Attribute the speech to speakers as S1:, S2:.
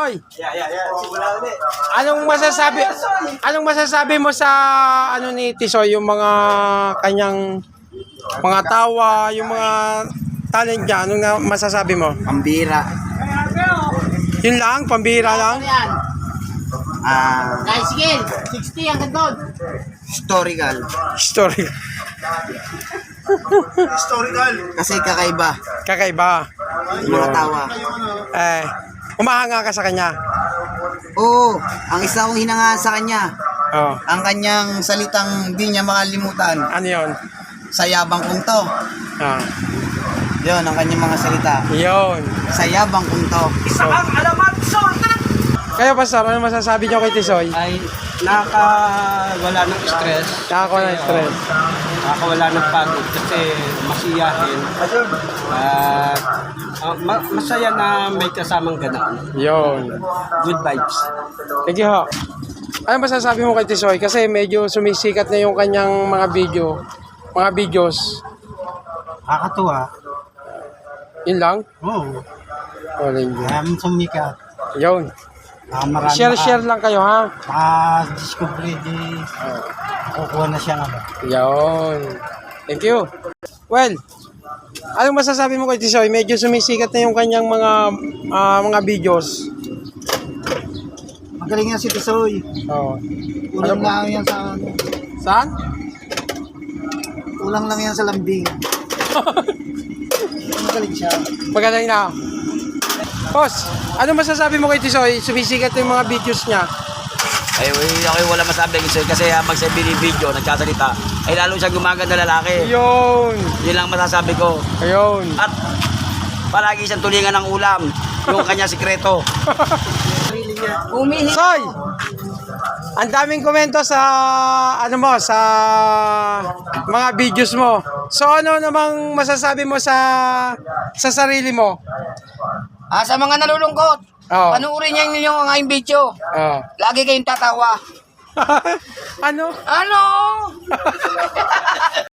S1: Tisoy, anong masasabi mo sa ano ni Tisoy, yung mga kanyang mga tawa, yung mga talent niya, anong masasabi mo?
S2: Pambira.
S1: Yun lang, pambira lang.
S3: Tricycle, 60 ang doon.
S2: Historical.
S1: Story.
S2: Kasi kakaiba.
S1: Kakaiba.
S2: Yung mga tawa.
S1: Umahanga ka sa kanya.
S2: Oo, ang isa kong hinangaan sa kanya,
S1: Oh.
S2: ang kanyang salitang di niya makalimutan.
S1: Ano yun?
S2: Sayabang kong to.
S1: Ah.
S2: Yun, ang kanyang mga salita.
S1: Yun.
S2: Sayabang kong to.
S1: Kayo, Pastor, ano masasabi niyo kay Tisoy?
S4: Ay nakawala ng stress.
S1: Nakakawa ng stress.
S4: Nakawala ng pagod kasi masiyahin. At masaya na may kasamang ganaan.
S1: Yun.
S4: Good vibes.
S1: Thank you, ho. Ano masasabi mo kay Tisoy? Kasi medyo sumisikat na yung kanyang mga videos.
S5: Nakakatuwa.
S1: Yun lang?
S5: Oo.
S1: Walang yun.
S5: Maraming sumikat.
S1: Yun.
S5: Marami
S1: Share lang kayo, ha?
S5: Maka-discovery di kukuha na siya nga ba?
S1: Yun. Thank you. Well, anong masasabi mo kay Tisoy? Medyo sumisikat na yung kanyang mga videos.
S5: Magaling nga si Tisoy.
S1: Oh.
S5: Kulang lang yan sa
S1: Saan?
S5: kulang lang yan sa lambing. Magaling siya.
S1: Magaling na. Boss, ano masasabi mo kay Tisoy? Sumisikat yung mga videos niya.
S6: Ay, ako wala masabi kasi habang sa video, nagsasalita, ay lalo siya gumaganda lalaki.
S1: Yun.
S6: Yun lang masasabi ko.
S1: Ayun.
S6: At palagi siyang tulingan ng ulam, yung kanya sikreto.
S1: Soy! Ang daming komento sa sa mga videos mo. So ano namang masasabi mo sa sarili mo?
S3: Sa mga nalulungkot,
S1: Oo.
S3: panuorin niyo yung aking video.
S1: Oh.
S3: Lagi kayong tatawa.
S1: Ano?
S3: Ano?